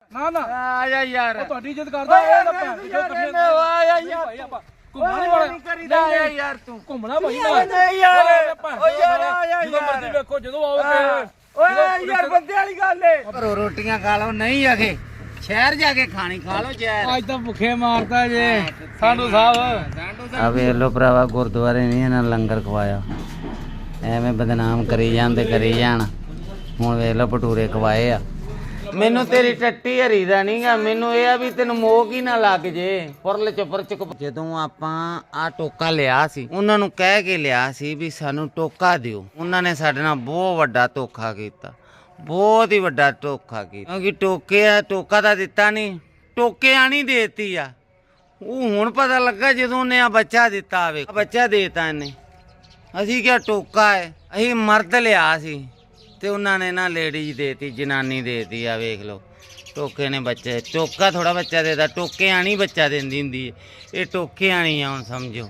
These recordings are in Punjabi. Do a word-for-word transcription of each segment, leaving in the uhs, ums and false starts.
ਨਾ ਨਾ ਆ ਜਾ ਯਾਰ ਉਹ ਤੁਹਾਡੀ ਇੱਜ਼ਤ ਕਰਦਾ ਇਹ ਨਾ ਭੈਣ ਜੋ ਕੱਢੇ ਆ ਜਾ ਯਾਰ ਭਾਈ ਆਪਾਂ ਘੁੰਮਣਾ ਨਹੀਂ ਵਾਲਾ ਨਹੀਂ ਕਰੀਦਾ ਆ ਯਾਰ ਤੂੰ ਘੁੰਮਣਾ ਭਾਈ ਨਹੀਂ ਯਾਰ ਓ ਯਾਰ ਆ ਜਾ ਜਦੋਂ ਮਰਜ਼ੀ ਵੇਖੋ ਜਦੋਂ ਆਓਗੇ ਓਏ ਯਾਰ ਬੰਦੇ ਵਾਲੀ ਗੱਲ ਏ ਘਰੋਂ ਰੋਟੀਆਂ ਖਾ ਲਓ ਨਹੀਂ ਆਖੇ ਸ਼ਹਿਰ ਜਾ ਕੇ ਖਾਣੀ ਖਾ ਲਓ ਜ਼ਹਿਰ ਅੱਜ ਤਾਂ ਭੁੱਖੇ ਮਾਰਦਾ ਜੇ ਸਾਡੂ ਸਾਹਿਬ ਆ ਵੇਖ ਲੋ ਭਰਾਵਾ ਗੁਰਦੁਆਰੇ ਨਹੀਂ ਇਹਨਾਂ ਲੰਗਰ ਖਵਾਇਆ ਐਵੇਂ ਬਦਨਾਮ ਕਰੀ ਜਾਂਦੇ ਕਰੀ ਜਾਣ ਹੁਣ ਵੇਖ ਲੋ ਭਟੂਰੇ ਖਵਾਏ ਆ ਮੈਨੂੰ ਤੇਰੀ ਟੱਟੀ ਹਰੀ ਦਾ ਨਹੀਂਗਾ ਮੈਨੂੰ ਇਹ ਆ ਵੀ ਤੈਨੂੰ ਮੋਹ ਹੀ ਨਾ ਲੱਗ ਜੇ ਫੁਰਲ ਚੁਪਰ ਚੁਕ ਜਦੋਂ ਆਪਾਂ ਆ ਟੋਕਾ ਲਿਆ ਸੀ ਉਹਨਾਂ ਨੂੰ ਕਹਿ ਕੇ ਲਿਆ ਸੀ ਵੀ ਸਾਨੂੰ ਟੋਕਾ ਦਿਓ ਉਹਨਾਂ ਨੇ ਸਾਡੇ ਨਾਲ ਬਹੁਤ ਵੱਡਾ ਧੋਖਾ ਕੀਤਾ ਬਹੁਤ ਹੀ ਵੱਡਾ ਧੋਖਾ ਕੀਤਾ ਕਿਉਂਕਿ ਟੋਕੇ ਆ ਟੋਕਾ ਤਾਂ ਦਿੱਤਾ ਨਹੀਂ ਟੋਕੇ ਆਣੀ ਦੇਤੀ ਆ ਉਹ ਹੁਣ ਪਤਾ ਲੱਗਾ ਜਦੋਂ ਉਹਨੇ ਆ ਬੱਚਾ ਦਿੱਤਾ ਆਵੇ ਬੱਚਾ ਦੇਤਾ ਇਹਨੇ ਅਸੀਂ ਕਿਹਾ ਟੋਕਾ ਹੈ ਅਸੀਂ ਮਰਦ ਲਿਆ ਸੀ ਤੇ ਉਹਨਾਂ ਨੇ ਨਾ ਲੇਡੀਜ਼ ਦੇਤੀ ਜਨਾਨੀ ਦੇਤੀ ਆ ਵੇਖ ਲਓ ਟੋਕੇ ਨੇ ਬੱਚੇ ਟੋਕਾ ਥੋੜਾ ਬੱਚਾ ਦੇਦਾ ਟੋਕੇ ਆਣੀ ਬੱਚਾ ਦਿੰਦੀ ਹੁੰਦੀ ਹੈ ਇਹ ਟੋਕੇ ਆਣੀ ਆ ਹੁਣ ਸਮਝੋ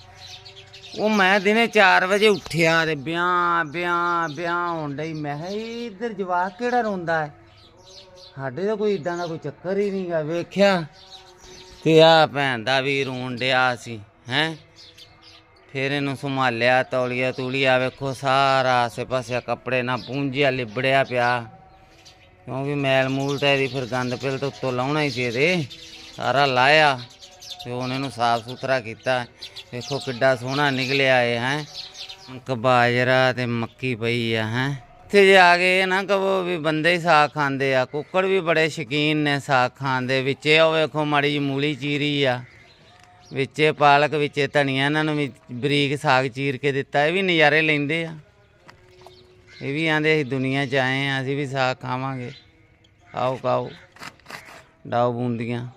ਉਹ ਮੈਂ ਦਿਨੇ ਚਾਰ ਵਜੇ ਉੱਠਿਆ ਤੇ ਵਿਆਹ ਵਿਆਹ ਵਿਆਹ ਹੋਣ ਡਈ ਮੈਂ ਕਿਹਾ ਇੱਧਰ ਜਵਾਕ ਕਿਹੜਾ ਰੋਂਦਾ ਹੈ ਸਾਡੇ ਤਾਂ ਕੋਈ ਇਦਾਂ ਦਾ ਕੋਈ ਚੱਕਰ ਹੀ ਨਹੀਂਗਾ ਵੇਖਿਆ ਤੇ ਆ ਭੈਣ ਦਾ ਵੀ ਰੋਣ ਡਿਆ ਸੀ ਹੈਂ ਫਿਰ ਇਹਨੂੰ ਸੰਭਾਲਿਆ ਤੌਲੀਆ ਤੂਲੀਆ ਵੇਖੋ ਸਾਰਾ ਆਸੇ ਪਾਸੇ ਕੱਪੜੇ ਨਾਲ ਪੂੰਝਿਆ ਲਿਬੜਿਆ ਪਿਆ ਕਿਉਂਕਿ ਮੈਲ ਮੂਲ ਤਾਂ ਇਹਦੀ ਫਿਰ ਗੰਦ ਪਿਲ ਤੋਂ ਉੱਤੋਂ ਲਾਉਣਾ ਹੀ ਸੀ ਇਹਦੇ ਸਾਰਾ ਲਾਇਆ ਤੇ ਹੁਣ ਇਹਨੂੰ ਸਾਫ ਸੁਥਰਾ ਕੀਤਾ ਵੇਖੋ ਕਿੱਡਾ ਸੋਹਣਾ ਨਿਕਲਿਆ ਇਹ ਹੈ ਬਾਜਰਾ ਤੇ ਮੱਕੀ ਪਈ ਆ ਹੈ ਇੱਥੇ ਜੇ ਆ ਗਏ ਨਾ ਕਹੋ ਵੀ ਬੰਦੇ ਹੀ ਸਾਗ ਖਾਂਦੇ ਆ ਕੁੱਕੜ ਵੀ ਬੜੇ ਸ਼ੌਕੀਨ ਨੇ ਸਾਗ ਖਾਣ ਦੇ ਵਿੱਚੇ ਉਹ ਵੇਖੋ ਮਾੜੀ ਜਿਹੀ ਮੂਲੀ ਚੀਰੀ ਆ ਵਿੱਚੇ ਪਾਲਕ ਵਿੱਚੇ ਧਨੀਆ ਇਹਨਾਂ ਨੂੰ ਵੀ ਬਰੀਕ ਸਾਗ ਚੀਰ ਕੇ ਦਿੱਤਾ ਇਹ ਵੀ ਨਜ਼ਾਰੇ ਲੈਂਦੇ ਆ ਇਹ ਵੀ ਆਂਦੇ ਅਸੀਂ ਦੁਨੀਆ 'ਚ ਆਏ ਆ ਅਸੀਂ ਵੀ ਸਾਗ ਖਾਵਾਂਗੇ ਆਓ ਖਾਓ ਡਾਓ ਬੂੰਦੀਆਂ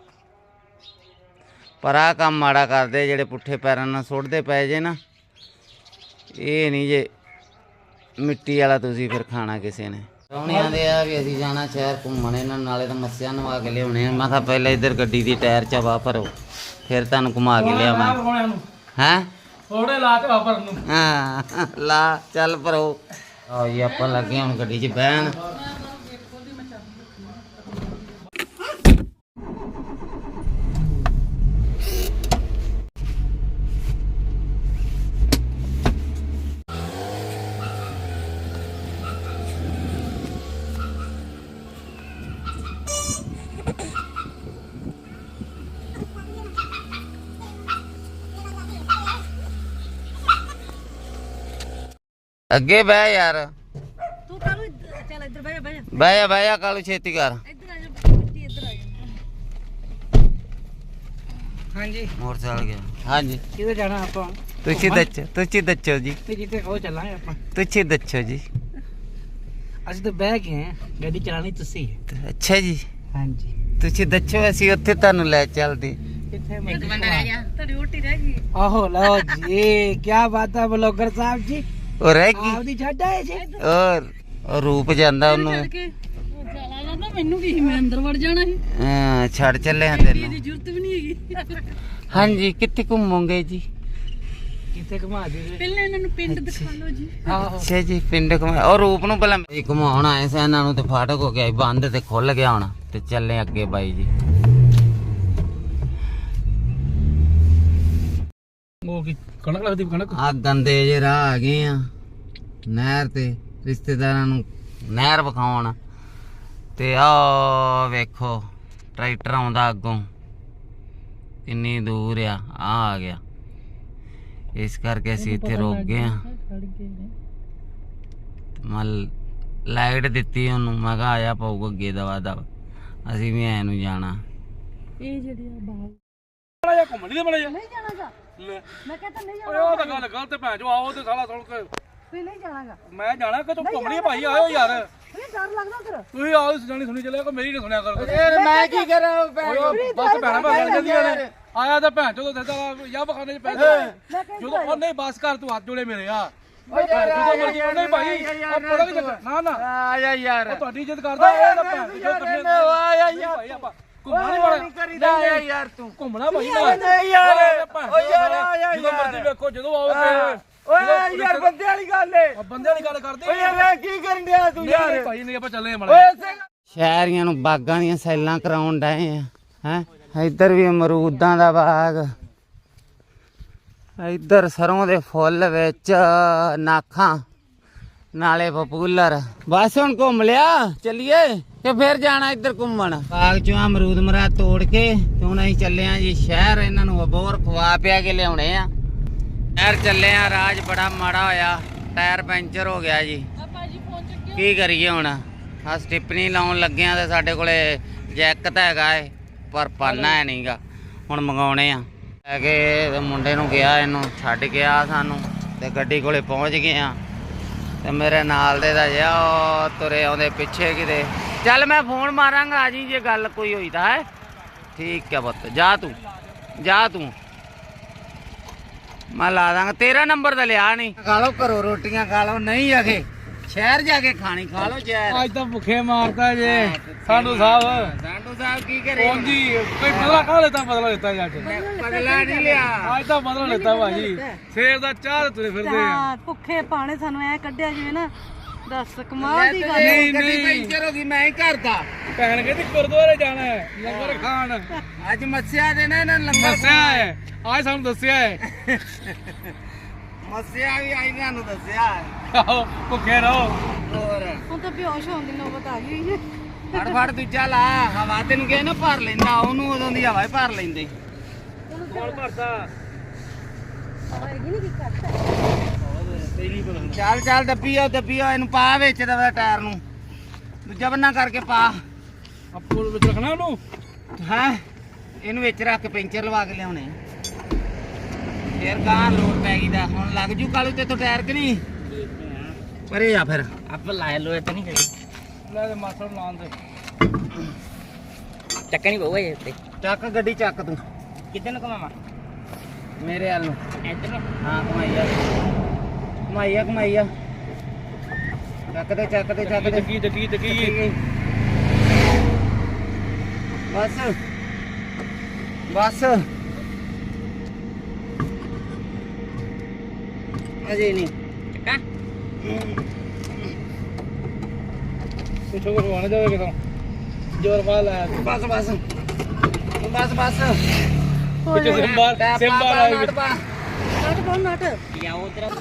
ਪਰ ਆਹ ਕੰਮ ਮਾੜਾ ਕਰਦੇ ਜਿਹੜੇ ਪੁੱਠੇ ਪੈਰਾਂ ਨਾਲ ਸੁੱਟਦੇ ਪਏ ਜੇ ਨਾ ਇਹ ਨਹੀਂ ਜੇ ਮਿੱਟੀ ਵਾਲਾ ਤੁਸੀਂ ਫਿਰ ਖਾਣਾ ਕਿਸੇ ਨੇ ਪ੍ਰਾਹੁਣੇ ਆਂਦੇ ਆ ਵੀ ਅਸੀਂ ਜਾਣਾ ਸ਼ਹਿਰ ਘੁੰਮਣ ਇਹਨਾਂ ਨਾਲੇ ਤਾਂ ਮੱਸਿਆ ਨਵਾ ਕੇ ਲਿਆਉਣੇ ਆ ਮੈਂ ਕਿਹਾ ਪਹਿਲਾਂ ਇੱਧਰ ਗੱਡੀ ਦੀ ਟਾਇਰ ਚਵਾ ਭਰੋ ਫਿਰ ਤੁਹਾਨੂੰ ਘੁਮਾ ਕੇ ਲਿਆਵਾਂ ਹੈਂ ਥੋੜੇ ਲਾ ਕੇ ਵਾਪਰ ਨੂੰ ਹਾਂ ਲਾ ਚੱਲ ਭਰੋ ਆਓ ਜੀ ਆਪਾਂ ਲੱਗੇ ਹੁਣ ਗੱਡੀ 'ਚ ਬਹਿਣ ਅੱਗੇ ਬਹਿ ਯਾਰ ਤੂੰ ਕਾਲੂ ਚੱਲ ਇੱਧਰ ਬਹਿ ਜਾ ਬਹਿ ਜਾ ਬਹਿ ਜਾ ਬਹਿ ਜਾ ਕਾਲੂ ਛੇਤੀ ਕਰ ਇੱਧਰ ਆ ਜਾ ਮਿੱਟੀ ਇੱਧਰ ਆ ਜਾ ਹਾਂਜੀ ਮੋਟਰਸਾਈਕਲ ਗਿਆ ਹਾਂਜੀ ਕਿੱਥੇ ਜਾਣਾ ਆਪਾਂ ਤੁਸੀਂ ਦੱਸੋ ਤੁਸੀਂ ਦੱਸੋ ਜੀ ਤੇ ਜਿੱਥੇ ਉਹ ਚੱਲਾਂਗੇ ਆਪਾਂ ਤੁਸੀਂ ਦੱਸੋ ਜੀ ਅਸੀਂ ਤਾਂ ਬਹਿ ਗਏ ਆ ਗੱਡੀ ਚਲਾਣੀ ਤੁਸੀਂ ਅੱਛਾ ਜੀ ਹਾਂਜੀ ਤੁਸੀਂ ਦੱਸੋ ਅਸੀਂ ਉੱਥੇ ਤੁਹਾਨੂੰ ਲੈ ਚੱਲਦੇ ਕਿੱਥੇ ਇੱਕ ਮਿੰਟ ਰਹਿ ਜਾ ਤੁਹਾਡੀ ਰੋਟੀ ਰਹਿ ਗਈ ਆਹੋ ਲਓ ਜੀ ਕੀ ਬਾਤ ਹੈ ਬਲੌਗਰ ਸਾਹਿਬ ਜੀ ਉਹ ਰਹਿ ਗਈ ਆਪਦੀ ਛੱਡ ਆਏ ਜੀ ਔਰ ਉਹ ਰੂਪ ਜਾਂਦਾ ਉਹਨੂੰ ਕੇ ਉਹ ਚਲਾ ਜਾਂਦਾ ਮੈਨੂੰ ਕੀ ਮੈਂ ਅੰਦਰ ਵੜ ਜਾਣਾ ਸੀ ਹਾਂ ਛੱਡ ਚੱਲੇ ਹਾਂ ਇਹਦੀ ਤੈਨੂੰ ਜ਼ਰੂਰਤ ਵੀ ਨਹੀਂ ਹੈਗੀ ਹਾਂਜੀ ਕਿੱਥੇ ਘੁੰਮੋਗੇ ਜੀ ਕਿੱਥੇ ਘੁਮਾ ਦੇ ਪਹਿਲਾਂ ਇਹਨਾਂ ਨੂੰ ਪਿੰਡ ਦਿਖਾ ਲਓ ਜੀ ਆਹੋ ਅੱਛਾ ਜੀ ਪਿੰਡ ਘੁਮਾ ਉਹ ਰੂਪ ਨੂੰ ਪਹਿਲਾਂ ਇਹ ਘੁਮਾਉਣ ਆਏ ਸੀ ਇਹਨਾਂ ਨੂੰ ਤੇ ਫਾਟਕ ਹੋ ਗਿਆ ਸੀ ਬੰਦ ਤੇ ਖੁੱਲ ਗਿਆ ਹੁਣ ਤੇ ਚੱਲੇ ਅੱਗੇ ਬਾਈ ਜੀ ਉਹ ਕੀ ਕਣਕ ਲੱਗਦੀ ਕਣਕ ਆ ਗੰਦੇ ਜੇ ਰਾਹ ਆ ਗਏ ਆ ਨਹਿਰ ਤੇ ਰਿਸ਼ਤੇਦਾਰਾਂ ਨੂੰ ਨਹਿਰ ਵਿਖਾਉਣ ਤੇ ਆ ਵੇਖੋ ਟਰੈਕਟਰ ਆਉਂਦਾ ਅੱਗੋਂ ਕਿੰਨੀ ਦੂਰ ਆ ਆ ਆ ਗਿਆ ਇਸ ਕਰਕੇ ਅਸੀਂ ਇੱਥੇ ਰੁਕ ਗਏ ਆ ਮੈਂ ਲਾਈਟ ਦਿੱਤੀ ਉਹਨੂੰ ਮੈਂ ਕਿਹਾ ਆਇਆ ਪਊਗਾ ਅੱਗੇ ਦਵਾ ਦਵਾ ਅਸੀਂ ਵੀ ਐ ਨੂੰ ਜਾਣਾ ਇਹ ਜਿਹੜੀ ਆ ਬਾਹਰ ਬੜਾ ਜਿਹਾ ਘੁੰਮਣ ਨਹੀਂ ਬੜਾ ਜਿਹਾ ਨਹੀਂ ਜਾਣਾਗਾ ਲੈ ਮੈਂ ਕਹਿੰਦਾ ਨਹੀਂ ਓਏ ਜਾਣਾ ਉਹ ਤਾਂ ਗੱਲ ਗਲਤ ਭੈਣ ਜੋ ਆਓ ਤੇ ਸਾਲਾ ਸੁਣ ਕੇ ਤੂੰ ਨਹੀਂ ਜਾਣਾਗਾ ਮੈਂ ਜਾਣਾ ਕਿ ਤੂੰ ਘੁੰਮਣੀ ਭਾਈ ਆਇਓ ਯਾਰ ਇਹ ਡਰ ਲੱਗਦਾ ਤੇਰਾ ਤੁਸੀਂ ਆਓ ਜਾਣੀ ਸੁਣੀ ਚੱਲਿਆ ਕੋ ਮੇਰੀ ਨਾ ਸੁਣਿਆ ਕਰ ਮੈਂ ਕੀ ਕਰਾਂ ਓਏ ਬਸ ਭੈਣਾ ਭੈਣ ਜਾਂਦੀਆਂ ਨੇ ਆਇਆ ਤਾਂ ਭੈਣ ਚੋਂ ਦੱਸਦਾ ਯਾ ਬਖਾਨੇ ਚ ਪੈਸੇ ਜਦੋਂ ਉਹ ਨਹੀਂ ਬਸ ਕਰ ਤੂੰ ਹੱਥ ਜੋੜੇ ਮੇਰੇ ਆ ਜਦੋਂ ਮਰਜੀ ਨਹੀਂ ਭਾਈ ਉਹ ਪਤਾ ਨਹੀਂ ਨਾ ਨਾ ਆ ਜਾ ਯਾਰ ਤੁਹਾਡੀ ਇੱਜ਼ਤ ਕਰਦਾ ਇਹ ਤਾਂ ਭੈਣ ਜੋ ਕਰਨੇ ਆ ਜਾ ਯਾਰ ਭਾਈ ਆਪਾਂ ਘੁੰਮਣਾ ਨਹੀਂ ਵਾਲਾ ਨਹੀਂ ਕਰੀਦਾ ਯਾਰ ਤੂੰ ਘੁੰਮਣਾ ਭਾਈ ਨਹੀਂ ਯਾਰ ਓ ਯਾਰ ਆ ਜਾ ਜਦੋਂ ਮਰਜੀ ਵੇਖੋ ਜਦੋਂ ਆਓਗੇ ਓਏ ਯਾਰ ਬੰਦੇ ਵਾਲੀ ਗੱਲ ਏ ਬੰਦੇ ਵਾਲੀ ਗੱਲ ਕਰਦੇ ਓ ਯਾਰ ਕੀ ਕਰਨ ਡਿਆ ਤੂੰ ਯਾਰ ਭਾਈ ਨਹੀਂ ਆਪਾਂ ਚੱਲੇ ਮੜਾ ਓਏ ਸ਼ਹਿਰੀਆਂ ਨੂੰ ਬਾਗਾਂ ਦੀਆਂ ਸੈਲਾਂ ਕਰਾਉਣ ਡਏ ਆ ਹੈ। ਇੱਧਰ ਵੀ ਅਮਰੂਦਾਂ ਦਾ ਬਾਗ, ਇੱਧਰ ਸਰੋਂ ਦੇ ਫੁੱਲ ਵਿੱਚ ਨਾਖਾਂ ਨਾਲੇ ਪਪੂਲਰ। ਬਸ ਹੁਣ ਘੁੰਮ ਲਿਆ, ਚੱਲੀਏ ਕਿ ਫਿਰ ਜਾਣਾ ਇੱਧਰ ਘੁੰਮਣ। ਬਾਗ ਚੋਂ ਅਮਰੂਦ ਮਰਾ ਤੋੜ ਕੇ ਤੇ ਹੁਣ ਅਸੀਂ ਚੱਲੇ ਆ ਜੀ ਸ਼ਹਿਰ। ਇਹਨਾਂ ਨੂੰ ਅਬੋਰ ਖਵਾ ਪਿਆ ਕੇ ਲਿਆਉਣੇ ਆ। ਸ਼ਹਿਰ ਚੱਲੇ ਆ, ਰਾਜ ਬੜਾ ਮਾੜਾ ਹੋਇਆ, ਟਾਇਰ ਪੈਂਚਰ ਹੋ ਗਿਆ ਜੀ। ਕੀ ਕਰੀਏ ਹੁਣ? ਆ ਸਟਿਪਨੀ ਲਾਉਣ ਲੱਗੇ ਆ ਤੇ ਸਾਡੇ ਕੋਲੇ ਜੈਕ ਤਾਂ ਹੈਗਾ ਏ ਪਰ ਪਾਨਾ ਹੈ ਨਹੀਂਗਾ। ਹੁਣ ਮੰਗਾਉਣੇ ਆ ਲੈ ਕੇ ਤੇ ਮੁੰਡੇ ਨੂੰ ਗਿਆ, ਇਹਨੂੰ ਛੱਡ ਗਿਆ ਸਾਨੂੰ ਤੇ ਗੱਡੀ ਕੋਲੇ ਪਹੁੰਚ ਗਏ ਆ। ਤੇ ਮੇਰੇ ਨਾਲ ਦੇ ਦਾ ਜਿਆ ਉਹ ਤੁਰੇ ਆਉਂਦੇ ਪਿੱਛੇ ਕਿਤੇ। ਚੱਲ ਮੈਂ ਫੋਨ ਮਾਰਾਂਗਾ ਆ ਜੀ ਜੇ ਗੱਲ ਕੋਈ ਹੋਈ ਤਾਂ ਹੈ। ਠੀਕ ਹੈ ਪੁੱਤ, ਜਾ ਤੂੰ ਜਾ ਤੂੰ, ਮੈਂ ਲਾ ਦਾਂਗਾ। ਤੇਰਾ ਨੰਬਰ ਤਾਂ ਲਿਆ ਨਹੀਂ। ਖਾ ਲਓ ਘਰੋਂ ਰੋਟੀਆਂ ਖਾ ਲਓ, ਨਹੀਂ ਆਖੇ ਸ਼ਹਿਰ ਜਾ ਕੇ ਖਾਣੀ ਖਾ ਲਓ ਜ਼ਹਿਰ। ਅੱਜ ਤਾਂ ਭੁੱਖੇ ਮਾਰਦਾ ਜੇ ਸਾਡੂ ਸਾਹਿਬ। ਸਾਡੂ ਸਾਹਿਬ ਕੀ ਕਰੇ? ਹਾਂਜੀ ਕੋਈ ਬਦਲਾ ਕਾ ਲੈਤਾ, ਬਦਲਾ ਲੈਤਾ ਜੱਟ। ਬਦਲਾ ਨਹੀਂ ਲਿਆ, ਅੱਜ ਤਾਂ ਬਦਲਾ ਲੈਤਾ ਭਾਜੀ। ਸਵੇਰ ਦਾ ਚਾਹ ਤੁਰੇ ਫਿਰਦੇ ਆ। ਭੁੱਖੇ ਪਾਣੇ ਸਾਨੂੰ ਐ ਕੱਢਿਆ ਜਿਵੇਂ ਨਾ, ਦੱਸ ਕਮਾਲ ਦੀ ਗੱਲ। ਨਹੀਂ ਨਹੀਂ ਪੈਂਚਰ ਹੋ ਗਈ, ਮੈਂ ਹੀ ਕਰਦਾ। ਭੈਣ ਕਹਿੰਦੀ ਗੁਰਦੁਆਰੇ ਜਾਣਾ ਹੈ ਲੰਗਰ ਖਾਣ। ਅੱਜ ਮੱਸਿਆ ਦੇ ਨਾ ਇਹਨਾਂ ਲੰਗਰ ਦੱਸਿਆ ਹੈ, ਅੱਜ ਸਾਨੂੰ ਦੱਸਿਆ ਹੈ। ਮੱਸਿਆ ਵੀ ਆਈ ਤੁਹਾਨੂੰ ਦੱਸਿਆ। ਆਹੋ ਭੁੱਖੇ ਰਹੋ। ਹੋਰ ਹੁਣ ਤਾਂ ਬੇਹੋਸ਼ ਹੋਣ ਦੀ ਨੌਬਤ ਆ ਗਈ ਹੋਈ ਹੈ। ਫੜ ਫੜ ਦੂਜਾ ਲਾ, ਹਵਾ ਤੈਨੂੰ ਕਿਹਾ ਨਾ ਭਰ ਲੈਂਦਾ, ਉਹਨੂੰ ਉਦੋਂ ਦੀ ਹਵਾ ਹੀ ਭਰ ਲੈਂਦੇ। ਕੋਲ ਭਰਦਾ ਹੋਏਗੀ ਨਹੀਂ ਕੀ ਕਰਦਾ। ਚੱਲ ਚੱਲ ਦੱਬੀ ਆ ਦੱਬੀ ਆ, ਇਹਨੂੰ ਪਾ ਵਿੱਚ ਦਾ ਟਾਇਰ ਨੂੰ ਦੂਜਾ ਬੰਨਾ ਕਰਕੇ ਪਾ। ਆਪੋ ਵਿੱਚ ਰੱਖਣਾ ਉਹਨੂੰ। ਹਾਂ ਇਹਨੂੰ ਵਿੱਚ ਰੱਖ ਕੇ ਪੈਂਚਰ ਲਵਾ ਕੇ ਲਿਆਉਣੇ ਫੇਰ ਗਾਂ ਲੋਡ ਪੈ ਗਈ ਦਾ। ਹੁਣ ਲੱਗ ਜੂ ਕਾਲੂ ਤੇ ਤੋਂ ਟਾਇਰ ਕਿ ਨਹੀਂ ਪਰੇ ਆ ਫਿਰ ਆਪ ਲਾਏ ਲੋਏ ਤੇ ਨਹੀਂ ਕਰੀ ਲੈ ਦੇ ਮਾਸੜ ਲਾਉਣ ਦੇ। ਚੱਕਣੀ ਪਊਗਾ ਇਹ ਤੇ। ਚੱਕ ਗੱਡੀ ਚੱਕ ਤੂੰ। ਕਿੱਧਰ ਨੂੰ ਘਮਾਵਾਂ? ਮੇਰੇ ਵੱਲ ਨੂੰ। ਇੱਧਰ ਨੂੰ? ਹਾਂ ਘਮਾਈਆ ਘਮਾਈਆ ਘਮਾਈਆ। ਚੱਕ ਦੇ ਚੱਕ ਦੇ ਚੱਕ ਦੇ। ਚੱਕੀ ਚੱਕੀ ਚੱਕੀ ਬਸ ਬਸ ਅਜੇ ਨਹੀਂ ਚੱਕਾ। ਪਿੱਛੋਂ ਕੁਛ ਹੋਣਾ ਜਾਵੇ ਕਿਤੋਂ ਜ਼ੋਰ ਪਾ ਲਾਇਆ। ਬਸ ਬਸ ਬਸ ਬਸ ਪਿੱਛੋਂ ਸਿੰਬਾਰ ਸਿੰਬਾਰ ਆਈ ਨਟ ਕੋਣ ਨਟ ਯਾ ਉਧਰ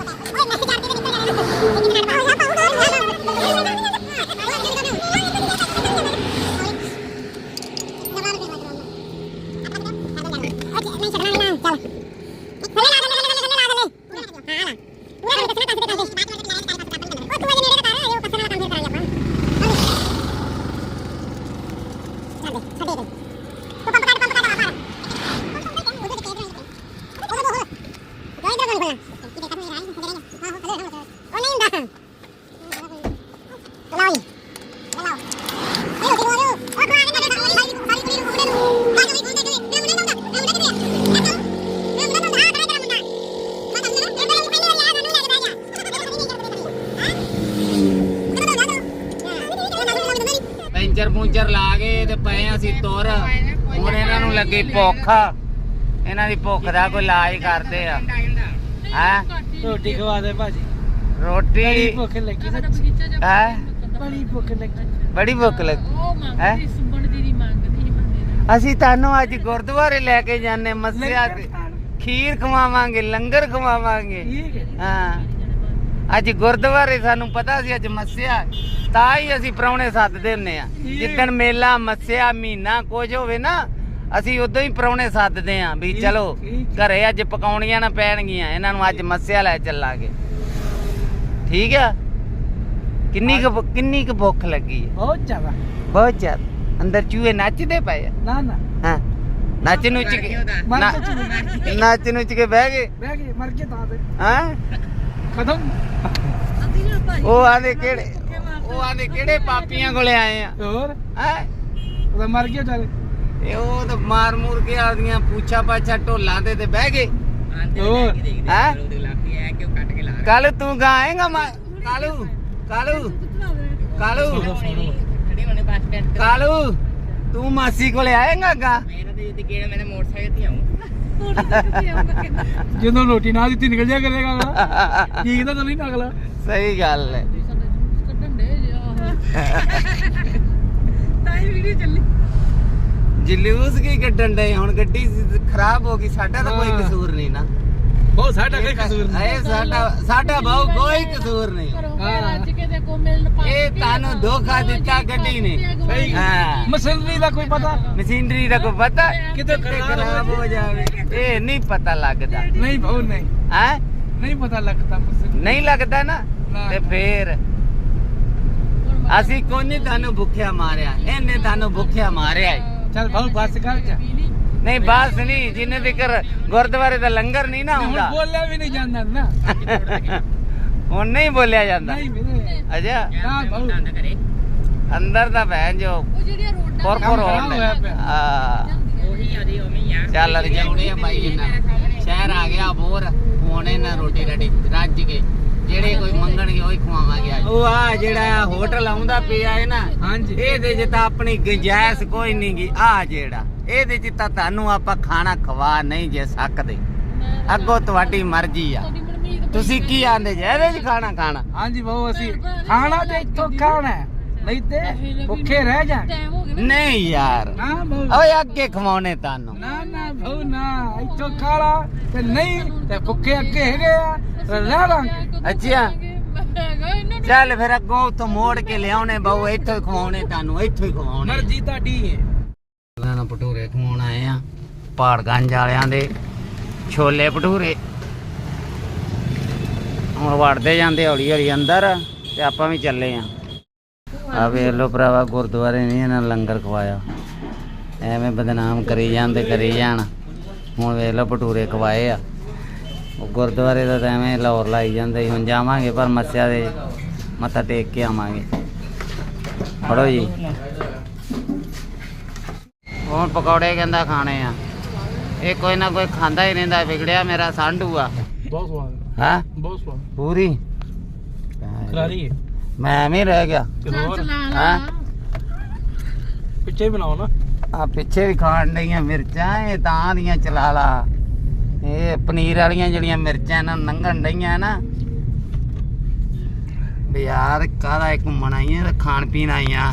ਪੈਂਚਰ ਪੂੰਚਰ ਲਾ ਕੇ ਤੇ ਪਏ ਅਸੀਂ ਤੁਰ। ਹੁਣ ਇਹਨਾਂ ਨੂੰ ਲੱਗੀ ਭੁੱਖ, ਇਹਨਾਂ ਦੀ ਭੁੱਖ ਦਾ ਕੋਈ ਇਲਾਜ ਕਰਦੇ ਆ। ਹੈ ਰੋਟੀ ਖਵਾ ਦੇ ਭਾਜੀ। ਰੋਟੀ ਭੁੱਖ ਲੱਗੀ ਹੈ, ਬੜੀ ਭੁੱਖ ਲੱਗੀ। ਬੜੀ ਭੁੱਖ ਲੱਗੀ ਉਹ ਮੰਗਦੀ ਸੁਬਣ ਦੀ ਨਹੀਂ ਮੰਗਦੀ ਬੰਦੇ ਅਸੀਂ ਤੁਹਾਨੂੰ ਅੱਜ ਗੁਰਦੁਆਰੇ ਲੈ ਕੇ ਜਾਣੇ, ਮੱਸਿਆ ਤੇ ਖੀਰ ਖਵਾਵਾਂਗੇ, ਲੰਗਰ ਖਵਾਵਾਂਗੇ। ਠੀਕ ਹੈ। ਹਾਂ ਅੱਜ ਗੁਰਦੁਆਰੇ ਸਾਨੂੰ ਪਤਾ ਸੀ ਅੱਜ ਮੱਸਿਆ, ਤਾਂ ਹੀ ਅਸੀਂ ਪ੍ਰਾਹੁਣੇ ਸੱਦਦੇ ਹੁੰਨੇ ਆ। ਜਿੱਦਣ ਮੇਲਾ ਮੱਸਿਆ ਮਹੀਨਾ ਕੁਝ ਹੋਵੇ ਨਾ, ਅਸੀਂ ਉਦੋਂ ਹੀ ਪ੍ਰਾਹੁਣੇ ਸੱਦਦੇ ਆ ਵੀ ਚਲੋ ਘਰੇ ਅੱਜ ਪਕਾਉਣੀਆਂ ਨਾ ਪੈਣਗੀਆਂ, ਇਹਨਾਂ ਨੂੰ ਅੱਜ ਮੱਸਿਆ ਲੈ ਚੱਲਾਂਗੇ। ਠੀਕ ਆ। ਕਿੰਨੀ ਕੁ ਕਿੰਨੀ ਕੁ ਭੁੱਖ ਲੱਗੀ ਹੈ? ਬਹੁਤ ਜ਼ਿਆਦਾ ਬਹੁਤ ਜ਼ਿਆਦਾ। ਅੰਦਰ ਚੂਹੇ ਨੱਚਦੇ ਪਏ ਆ। ਨਾ ਨਾ ਹਾਂ ਨੱਚ ਨੁੱਚ ਕੇ ਨਾ- ਨੱਚ ਨੁੱਚ ਕੇ ਬਹਿ ਗਏ। ਬਹਿ ਗਏ ਮਰ ਕੇ ਤਾਂ ਦੇ ਹਾਂ ਖਤਮ। ਉਹ ਆਂਦੇ ਕਿਹੜੇ ਉਹ ਆਂਦੇ ਕਿਹੜੇ ਪਾਪੀਆਂ ਕੋਲੇ ਆਏ ਆ। ਹੋਰ ਹੈ ਉਹਦਾ ਮਰ ਗਿਆ ਚੱਲ। ਇਹ ਉਹ ਤਾਂ ਮਾਰ ਮੂਰ ਕੇ ਆਦੀਆਂ ਪੂਛਾ ਪਾਛਾ ਢੋਲਾਂ ਤੇ ਤੇ ਬਹਿ ਗਏ। ਹੋਰ ਹੈ ਕੱਲ ਤੂੰ ਗਾਏਗਾ ਕਾਲੂ ਕਾਲੂ ਕਾਲੂ ਕਾਲੂ ਤੂੰ ਮਾਸੀ ਕੋਲੇ ਆਏਗਾ ਗਾ? ਜਦੋਂ ਰੋਟੀ ਨਾ ਦਿੱਤੀ ਨਿਕਲ ਜਾ ਕਰੇਗਾ ਅਗਲਾ। ਠੀਕ ਤਾਂ ਨਹੀਂ ਨਾ ਅਗਲਾ। ਸਹੀ ਗੱਲ ਹੈ। ਕੱਢਣ ਦੇ ਇਹ ਵੀਡੀਓ ਚੱਲੀ ਜਲੂਸ ਕੀ ਕੱਢਣ ਡਏ ਹੁਣ ਗੱਡੀ ਖਰਾਬ ਹੋ ਗਈ ਸਾਡਾ ਤਾਂ ਕੋਈ ਕਸੂਰ ਨਹੀਂ ਨਾ ਬਹੁਤ ਸਾਡਾ ਕੋਈ ਕਸੂਰ ਨਹੀਂ ਇਹ ਸਾਡਾ ਸਾਡਾ ਬਹੁ ਕੋਈ ਕਸੂਰ ਨਹੀਂ ਹਾਂ ਅੱਜ ਕੇ ਦੇਖੋ ਮਿਲਣ ਪਾ ਇਹ ਤੁਹਾਨੂੰ ਧੋਖਾ ਦਿੱਤਾ ਗੱਡੀ ਨੇ ਸਹੀ ਹਾਂ ਮਸ਼ੀਨਰੀ ਦਾ ਕੋਈ ਪਤਾ ਮਸ਼ੀਨਰੀ ਦਾ ਕੋਈ ਪਤਾ ਕਿਤੇ ਖਰਾਬ ਹੋ ਜਾਵੇ ਇਹ ਨਹੀਂ ਪਤਾ ਲੱਗਦਾ ਨਹੀਂ ਭਾਉ ਨਹੀਂ ਹੈ ਨਹੀਂ ਪਤਾ ਲੱਗਦਾ ਮਸ਼ੀਨਰੀ ਨਹੀਂ ਲੱਗਦਾ ਨਾ ਤੇ ਫੇਰ ਅਸੀਂ ਕੋਈ ਨਹੀਂ ਤੁਹਾਨੂੰ ਭੁੱਖਿਆ ਮਾਰਿਆ ਇਹਨੇ ਤੁਹਾਨੂੰ ਭੁੱਖਿਆ ਮਾਰਿਆ ਈ। ਚੱਲ ਭਾਉ ਬਸ ਕਰ ਜਾ ਨਹੀਂ ਬਸ ਨਹੀਂ ਜਿੰਨੇ ਤੱਕ ਗੁਰਦੁਆਰੇ ਦਾ ਲੰਗਰ ਨਹੀਂ ਨਾ ਹੁਣ ਹੁੰਦਾ ਬੋਲਿਆ ਵੀ ਨਹੀਂ ਜਾਂਦਾ ਨਾ ਹੁਣ ਨਹੀਂ ਬੋਲਿਆ ਜਾਂਦਾ ਨਹੀਂ ਵੀਰੇ ਅਜਾ ਨਾ ਭਾਉ ਅੰਦਰ ਦਾ ਭੈਣ ਜੋ ਉਹ ਜਿਹੜੀਆਂ ਰੋਡਾਂ ਕੋਰ ਕੋਰ ਹੋਣ ਹੋਇਆ ਪਿਆ। ਆ ਉਹੀ ਆ ਦੀ ਉਵੇਂ ਆ ਚੱਲ ਰਜਾਉਣੇ ਆ ਬਾਈ ਇਹਨਾਂ ਸ਼ਹਿਰ ਆ ਗਿਆ ਬੋਰ ਹੁਣ ਇਹਨਾਂ ਰੋਟੀ ਰਾਟੀ ਰੱਜ ਕੇ ਜਿਹੜੇ ਕੋਈ ਮੰਗਣਗੇ ਉਹੀ ਖਵਾਵਾਂਗੇ ਅੱਜ ਉਹ ਆ ਜਿਹੜਾ ਹੋਟਲ ਆਉਂਦਾ ਪਿਆ ਹੈ ਨਾ ਹਾਂਜੀ ਇਹਦੇ 'ਚ ਤਾਂ ਆਪਣੀ ਗੁੰਜਾਇਸ਼ ਕੋਈ ਨਹੀਂ ਗੀ ਆ ਜਿਹੜਾ ਇਹਦੇ 'ਚ ਤਾਂ ਤੁਹਾਨੂੰ ਆਪਾਂ ਖਾਣਾ ਖਵਾ ਨਹੀਂ ਜੇ ਸਕਦੇ ਅੱਗੋਂ ਤੁਹਾਡੀ ਮਰਜ਼ੀ ਆ ਤੁਹਾਡੀ ਮਨਮੀਤ ਤੁਸੀਂ ਕੀ ਆਂਦੇ ਜੇ ਇਹਦੇ 'ਚ ਖਾਣਾ ਖਾਣਾ ਹਾਂਜੀ ਭਾਉ ਅਸੀਂ ਖਾਣਾ ਤੇ ਇੱਥੋਂ ਖਾਣਾ ਹੈ, ਨਹੀਂ ਤੇ ਭੁੱਖੇ ਰਹਿ ਜਾ ਟਾਈਮ ਹੋ ਗਿਆ ਨਾ ਨਹੀਂ ਯਾਰ ਨਾ ਭਾਉ ਓਏ ਅੱਗੇ ਖਵਾਉਣੇ ਤੁਹਾਨੂੰ ਨਾ ਨਾ ਭਾਉ ਨਾ ਇੱਥੋਂ ਖਾਲਾ ਤੇ ਨਹੀਂ ਤੇ ਭੁੱਖੇ ਅੱਗੇ ਹੈਗੇ ਆ ਤੇ ਰਹਿ ਲਾਂਗੇ ਅੱਛਾ ਹੈਗਾ ਇਹਨਾਂ ਨੂੰ ਚੱਲ ਫਿਰ ਅੱਗੋਂ ਉੱਥੋਂ ਮੋੜ ਕੇ ਲਿਆਉਣੇ ਬਾਊ ਇੱਥੋਂ ਹੀ ਖਵਾਉਣੇ ਤੁਹਾਨੂੰ ਇੱਥੋਂ ਹੀ ਖਵਾਉਣੇ ਮਰਜ਼ੀ ਤੁਹਾਡੀ ਹੈ ਇਹਨਾਂ ਨੂੰ ਭਟੂਰੇ ਖਵਾਉਣ ਆਏ ਆ ਪਹਾੜਗੰਜ ਵਾਲਿਆਂ ਦੇ ਛੋਲੇ ਭਟੂਰੇ ਹੁਣ ਵੜਦੇ ਜਾਂਦੇ ਹੌਲੀ ਹੌਲੀ ਅੰਦਰ ਤੇ ਆਪਾਂ ਵੀ ਚੱਲੇ ਆ ਆ ਵੇਖ ਲੋ ਭਰਾਵਾ ਗੁਰਦੁਆਰੇ ਨਹੀਂ ਇਹਨਾਂ ਲੰਗਰ ਖਵਾਇਆ ਐਵੇਂ ਬਦਨਾਮ ਕਰੀ ਜਾਂਦੇ ਕਰੀ ਜਾਣ ਹੁਣ ਵੇਖ ਲੋ ਭਟੂਰੇ ਖਵਾਏ ਆ ਉਹ ਗੁਰਦੁਆਰੇ ਦਾ ਤਾਂ ਐਵੇਂ ਲਾਹੌਰ ਲਾਈ ਜਾਂਦੇ ਸੀ ਹੁਣ ਜਾਵਾਂਗੇ ਪਰ ਮੱਸਿਆ ਦੇ ਮੱਥਾ ਟੇਕ ਕੇ ਆਵਾਂਗੇ ਫੜੋ ਜੀ ਹੁਣ ਪਕੌੜੇ ਕਹਿੰਦਾ ਖਾਣੇ ਆ ਇਹ ਕੋਈ ਨਾ ਕੋਈ ਖਾਂਦਾ ਹੀ ਰਹਿੰਦਾ ਵਿਗੜਿਆ ਮੇਰਾ ਸਾਂਢੂ ਆ ਬਹੁਤ ਸਵਾਦ ਹਾਂ ਬਹੁਤ ਸਵਾਦ ਪੂਰੀ ਕਰਾਰੀ ਹੈ ਮੈਂ ਐਵੇਂ ਰਹਿ ਗਿਆ ਹੋਰ ਹਾਂ ਪਿੱਛੇ ਬਣਾਓ ਨਾ ਆ ਪਿੱਛੇ ਵੀ ਖਾਣ ਡਈਆਂ ਮਿਰਚਾਂ ਇਹ ਤਾਂ ਦੀਆਂ ਚਲਾ ਲਾ ਇਹ ਪਨੀਰ ਵਾਲੀਆਂ ਜਿਹੜੀਆਂ ਮਿਰਚਾਂ ਇਹਨਾਂ ਨੂੰ ਲੰਘਣ ਡਈਆਂ ਨਾ ਵੀ ਯਾਰ ਕਾਹਦਾ ਇੱਕ ਘੁੰਮਣ ਆਈਆਂ ਤੇ ਖਾਣ ਪੀਣ ਆਈਆਂ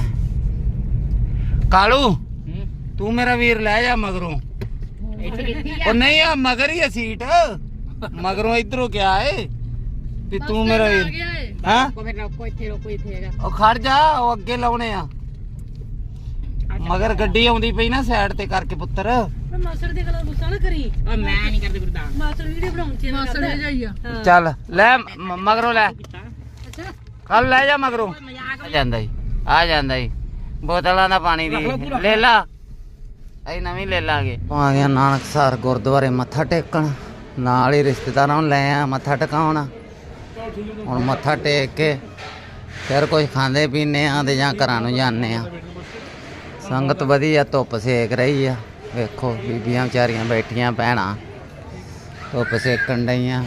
ਕਾਲੂ ਤੂੰ ਮੇਰਾ ਵੀਰ ਲੈ ਜਾ ਮਗਰੋਂ ਉਹ ਨਹੀਂ ਆ ਮਗਰ ਹੀ ਆ ਸੀਟ ਮਗਰੋਂ ਇਧਰੋਂ ਕਿਆ ਏ ਵੀ ਤੂੰ ਮੇਰਾ ਵੀਰ ਹਾਂ ਕੋਈ ਰੋਕੋ ਇੱਥੇ ਰੋਕੋ ਇੱਥੇ ਹੈਗਾ ਉਹ ਖੜ ਜਾ ਉਹ ਅੱਗੇ ਲਾਉਣੇ ਆ ਮਗਰ ਗੱਡੀ ਆਉਂਦੀ ਪਈ ਨਾ ਸਾਈਡ ਤੇ ਕਰਕੇ ਪੁੱਤਰ ਮਾਸੜ ਦੇ ਗਲਾ ਗੁੱਸਾ ਨਾ ਕਰੀ ਉਹ ਮੈਂ ਨਹੀਂ ਕਰਦੀ ਗੁਰਦਾਂ ਮਾਸੜ ਵੀਡੀਓ ਬਣਾਉਣ ਚ ਮਾਸੜ ਲੈ ਜਾਈਆ ਚੱਲ ਲੈ ਮ- ਮਗਰੋਂ ਲੈ ਅੱਛਾ ਕੱਲ ਲੈ ਜਾ ਮਗਰੋਂ ਆ ਜਾਂਦਾ ਜੀ ਆ ਜਾਂਦਾ ਜੀ ਬੋਤਲਾਂ ਦਾ ਪਾਣੀ ਦੀ ਲੈ ਲਾ ਅਸੀਂ ਨਵੀਂ ਲੈ ਲਾਂਗੇ ਆ ਗਿਆ ਨਾਨਕਸਰ ਗੁਰਦੁਆਰੇ ਮੱਥਾ ਟੇਕਣ ਨਾਲ ਹੀ ਰਿਸ਼ਤੇਦਾਰਾਂ ਨੂੰ ਲੈ ਆ ਮੱਥਾ ਟਿਕਾਉਣ ਹੁਣ ਮੱਥਾ ਟੇਕ ਕੇ ਫਿਰ ਕੁਝ ਖਾਂਦੇ ਪੀਂਦੇ ਆ ਤੇ ਜਾਂ ਘਰਾਂ ਨੂੰ ਜਾਂਦੇ ਆ ਸੰਗਤ ਵਧੀਆ ਧੁੱਪ ਸੇਕ ਰਹੀ ਆ ਵੇਖੋ ਬੀਬੀਆਂ ਵਿਚਾਰੀਆਂ ਬੈਠੀਆਂ ਭੈਣਾਂ ਧੁੱਪ ਸੇਕਣ ਡਈਆਂ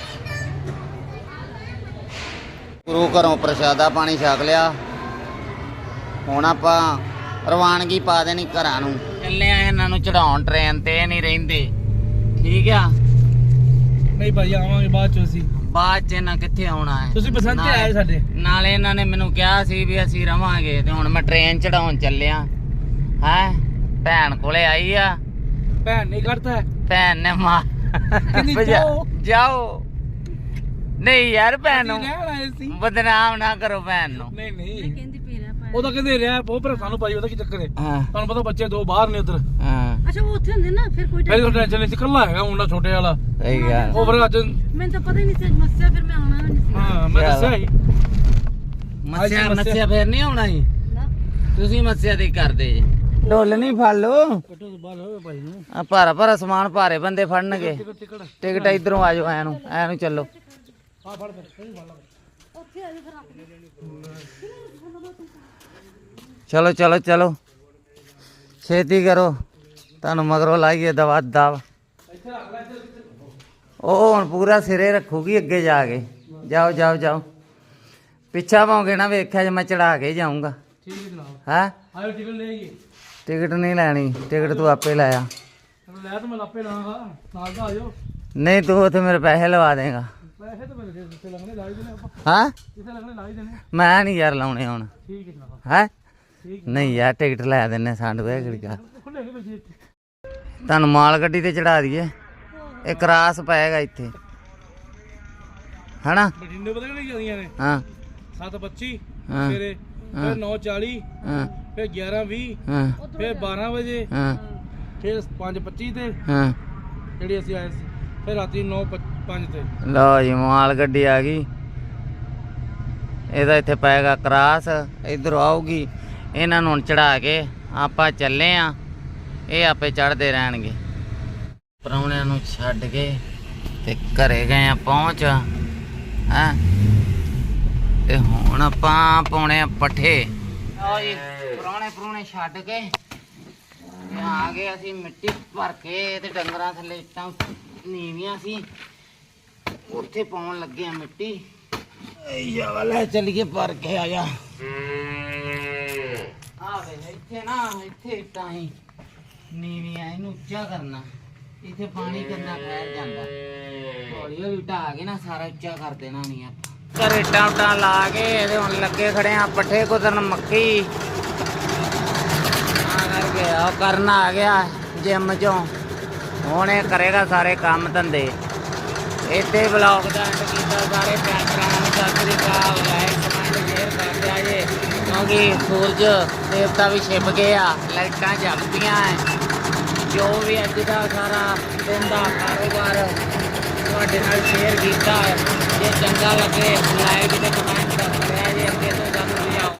ਗੁਰੂ ਘਰੋਂ ਪ੍ਰਸ਼ਾਦਾ ਪਾਣੀ ਛਕ ਲਿਆ ਹੁਣ ਆਪਾਂ ਰਵਾਨਗੀ ਪਾ ਦੇਣੀ ਘਰਾਂ ਨੂੰ ਚੱਲੇ ਆ ਇਹਨਾਂ ਨੂੰ ਚੜਾਉਣ ਟ੍ਰੇਨ ਤੇ ਇਹ ਨਹੀਂ ਰਹਿੰਦੇ ਠੀਕ ਆ ਨਹੀਂ ਭਾਈ ਆਵਾਂਗੇ ਬਾਅਦ ਚ ਅਸੀਂ ਬਾਅਦ ਚ ਇਹਨਾਂ ਕਿੱਥੇ ਆਉਣਾ ਹੈ ਤੁਸੀਂ ਬਸੰਤ ਤੇ ਆਏ ਸਾਡੇ ਨਾਲੇ ਇਹਨਾਂ ਨੇ ਮੈਨੂੰ ਕਿਹਾ ਸੀ ਵੀ ਅਸੀਂ ਰਵਾਂਗੇ ਤੇ ਹੁਣ ਮੈਂ ਟ੍ਰੇਨ ਚੜਾਉਣ ਚੱਲਿਆ ਹੈ ਭੈਣ ਕੋਲੇ ਆਈ ਆ ਭੈਣ ਨਹੀਂ ਕਰਦਾ ਭੈਣ ਨੇ ਮਾਂ ਕਹਿੰਦੀ ਭਜਾ- ਜਾਓ। ਜਾਓ ਨਹੀਂ ਯਾਰ ਭੈਣ ਨੂੰ ਰਹਿਣ ਆਏ ਸੀ ਬਦਨਾਮ ਨਾ ਕਰੋ ਭੈਣ ਨੂੰ ਨਹੀਂ ਨਹੀਂ ਕਹਿੰਦੀ ਪੀਣਾ ਪਾ ਉਹ ਤਾਂ ਕਹਿੰਦੇ ਰਿਹਾ ਬਹੁਤ ਪਰ ਸਾਨੂੰ ਭਾਈ ਉਹਦਾ ਕੀ ਚੱਕਰ ਹੈ ਹਾਂ ਤੁਹਾਨੂੰ ਪਤਾ ਬੱਚੇ ਦੋ ਬਾਹਰ ਨੇ ਉਧਰ ਹਾਂ ਅੱਛਾ ਉਹ ਉੱਥੇ ਹੁੰਦੇ ਨਾ ਫਿਰ ਕੋਈ ਪਹਿਲੇ ਤਾਂ ਟੈਨਸ਼ਨ ਨਹੀਂ ਸੀ ਇਕੱਲਾ ਹੈਗਾ ਮੁੰਡਾ ਛੋਟੇ ਵਾਲਾ ਸਹੀ ਗੱਲ ਉਹ ਫਿਰ ਅੱਜ ਮੈਨੂੰ ਤਾਂ ਪਤਾ ਹੀ ਨਹੀਂ ਸੀ ਮੱਸਿਆ ਫਿਰ ਮੈਂ ਆਉਣਾ ਵੀ ਨਹੀਂ ਸੀ ਹਾਂ ਮੈਂ ਦੱਸਿਆ ਸੀ ਮੱਸਿਆ ਅੱਜ ਮੱਸਿਆ- ਮੱਸਿਆ ਫੇਰ ਨਹੀਂ ਆਉਣਾ ਸੀ ਨਾ ਤੁਸੀਂ ਮੱਸਿਆ ਦੀ ਕਰਦੇ ਜੇ ਢੋਲ ਨਹੀਂ ਫੜ ਲੋ ਕੱਟੋ ਤੋਂ ਬਾਹਰ ਹੋਵੇ ਭਾਈ ਨੂੰ ਆ ਭਾਰਾ ਭਾਰਾ ਸਮਾਨ ਭਾਰੇ ਬੰਦੇ ਫੜਨਗੇ ਟਿਕਟ ਟਿਕਟ ਟਿਕਟ ਇਧਰੋਂ ਆ ਜਾਓ ਐ ਨੂੰ ਐ ਨੂੰ ਚੱਲੋ ਆ ਫੜ ਫਿਰ ਸਹੀ ਫੜ ਲਾ ਉੱਥੇ ਆ ਜਾ ਫਿਰ ਰੱਖ ਚਲੋ ਚਲੋ ਚਲੋ ਛੇਤੀ ਕਰੋ ਤੁਹਾਨੂੰ ਮਗਰੋਂ ਲਾਈਏ ਦਵਾ ਦਵ ਉਹ ਹੁਣ ਪੂਰਾ ਸਿਰੇ ਰੱਖੂਗੀ ਅੱਗੇ ਜਾ ਕੇ ਜਾਓ ਜਾਓ ਜਾਓ ਪਿੱਛਾ ਪਾਉਂਗੇ ਨਾ ਵੇਖਿਆ ਜੇ ਮੈਂ ਚੜਾ ਕੇ ਜਾਊਂਗਾ ਠੀਕ ਹੈ ਜਨਾਬ ਹੈ ਆਇਓ ਟਿਕਟ ਲੈ ਆਈਏ ਟਿਕਟ ਨਹੀਂ ਲੈਣੀ ਟਿਕਟ ਤੂੰ ਆਪੇ ਲਾਇਆ ਲੈ ਤਾਂ ਮੈਂ ਲਾਪੇ ਲਾਂਗਾ ਨਾਲ ਦਾ ਆਇਓ ਨਹੀਂ ਤੂੰ ਉੱਥੇ ਮੇਰੇ ਪੈਸੇ ਲਵਾ ਦੇਗਾ ਪੈਸੇ ਤਾਂ ਮੇਰੇ ਜਿੱਥੇ ਲੱਗਣੇ ਲਾ ਹੀ ਦੇਣੇ ਆਪਾਂ ਹਾਂ ਜਿੱਥੇ ਲੱਗਣੇ ਲਾ ਹੀ ਦੇਣੇ ਮੈਂ ਨਹੀਂ ਯਾਰ ਲਾਉਣੇ ਹੁਣ ਠੀਕ ਹੈ ਜਨਾਬ ਹੈ ਨਹੀਂ ਯਾਰ ਟਿਕਟ ਲੈ ਦਿੰਨੇ ਸਾਨੂੰ ਇਹ ਕਿਹੜੀ ਗੱਲ। ਖੁੱਲੇ ਨਹੀਂ ਬੈਠੇ ਤੁਹਾਨੂੰ ਮਾਲ ਗੱਡੀ ਤੇ ਚੜਾ ਦਈਏ, ਇਹ ਕਰਾਸ ਪਏਗਾ ਇੱਥੇ ਹਨਾ। ਬਠਿੰਡੇ ਪਤਾ ਕਿਹੜੀ ਜਾਂਦੀਆਂ ਨੇ ਹਾਂ ਸੱਤ ਪੱਚੀ ਹਾਂ ਸਵੇਰੇ, ਫਿਰ ਨੌ ਚਾਲੀ, ਹਾਂ ਫਿਰ ਗਿਆਰਾਂ ਵੀਹ, ਹਾਂ ਫਿਰ ਬਾਰਾਂ ਵਜੇ, ਹਾਂ ਫਿਰ ਪੰਜ ਪੱਚੀ ਤੇ ਹਾਂ। ਜਿਹੜੀ ਅਸੀਂ ਆਏ ਸੀ, ਫਿਰ ਰਾਤੀ ਨੌ ਪੰਜ ਤੇ। ਲਓ ਜੀ ਮਾਲ ਗੱਡੀ ਆ ਗਈ, ਇਹਦਾ ਇੱਥੇ ਪਏਗਾ ਕਰਾਸ, ਇਧਰੋਂ ਆਊਗੀ। ਇਹਨਾਂ ਨੂੰ ਚੜਾ ਕੇ ਆਪਾਂ ਚੱਲੇ ਆ, ਇਹ ਆਪੇ ਚੜਦੇ ਰਹਿਣਗੇ। ਪ੍ਰਾਹੁਣਿਆਂ ਨੂੰ ਛੱਡ ਕੇ ਤੇ ਘਰੇ ਗਏ ਆ ਪਹੁੰਚ ਹੈ, ਤੇ ਹੁਣ ਆਪਾਂ ਪਾਉਣੇ ਆ ਪੱਠੇ। ਲਓ ਜੀ ਪ੍ਰਾਹੁਣੇ ਪ੍ਰਾਹੁਣੇ ਛੱਡ ਕੇ ਤੇ ਆ ਗਏ ਅਸੀਂ ਮਿੱਟੀ ਭਰ ਕੇ, ਤੇ ਡੰਗਰਾਂ ਥੱਲੇ ਇੱਟਾਂ ਨੀਵੀਆਂ ਸੀ, ਉੱਥੇ ਪਾਉਣ ਲੱਗੇ ਆ ਮਿੱਟੀ। ਯਾ ਲੈ ਚੱਲੀਏ ਭਰ ਕੇ ਆ ਜਾ। ਆ ਵੇ ਇੱਥੇ ਨਾ, ਇੱਥੇ ਇੱਟਾਂ ਹੀ ਨੀਵੀਆਂ, ਇਹਨੂੰ ਉੱਚਾ ਕਰਨਾ, ਇੱਥੇ ਪਾਣੀ ਕਿੰਨਾ ਠਹਿਰ ਜਾਂਦਾ। ਹੌਲੀ ਹੌਲੀ ਢਾਹ ਕੇ ਨਾ ਸਾਰਾ ਉੱਚਾ ਕਰ ਦੇਣਾ ਨਹੀਂ ਆਪਾਂ। ਘਰ ਇੱਟਾਂ ਉੱਟਾਂ ਲਾ ਕੇ ਇਹਦੇ ਹੁਣ ਲੱਗੇ ਖੜੇ ਆ ਪੱਠੇ ਕੁਤਰਨ ਮੱਕੀ। ਆ ਕਰਕੇ ਆ ਕਰਨਾ ਆ ਗਿਆ ਜਿੰਮ ਚੋਂ, ਹੁਣ ਇਹ ਕਰੇਗਾ ਸਾਰੇ ਕੰਮ ਧੰਦੇ। ਇੱਥੇ ਬਲੌਗ ਦਾ ਐਂਡ ਕੀਤਾ। ਸਾਰੇ ਭੈਣ ਭਰਾਵਾਂ ਨੂੰ ਸਤਿ ਸ੍ਰੀ ਅਕਾਲ। ਲਾਈਕ ਕਮੈਂਟ ਸ਼ੇਅਰ ਕਰ ਦਿਆ ਜੇ, ਕਿਉਂਕਿ ਸੂਰਜ ਦੇਵਤਾ ਵੀ ਛਿਪ ਗਏ ਆ, ਲਾਈਟਾਂ ਜਗਦੀਆਂ ਐ। ਜੋ ਵੀ ਅੱਜ ਦਾ ਸਾਰਾ ਦਿਨ ਦਾ ਕਾਰੋਬਾਰ ਤੁਹਾਡੇ ਨਾਲ ਸ਼ੇਅਰ ਕੀਤਾ, ਜੇ ਚੰਗਾ ਲੱਗੇ ਲਾਈਕ ਤੇ ਕਮੈਂਟ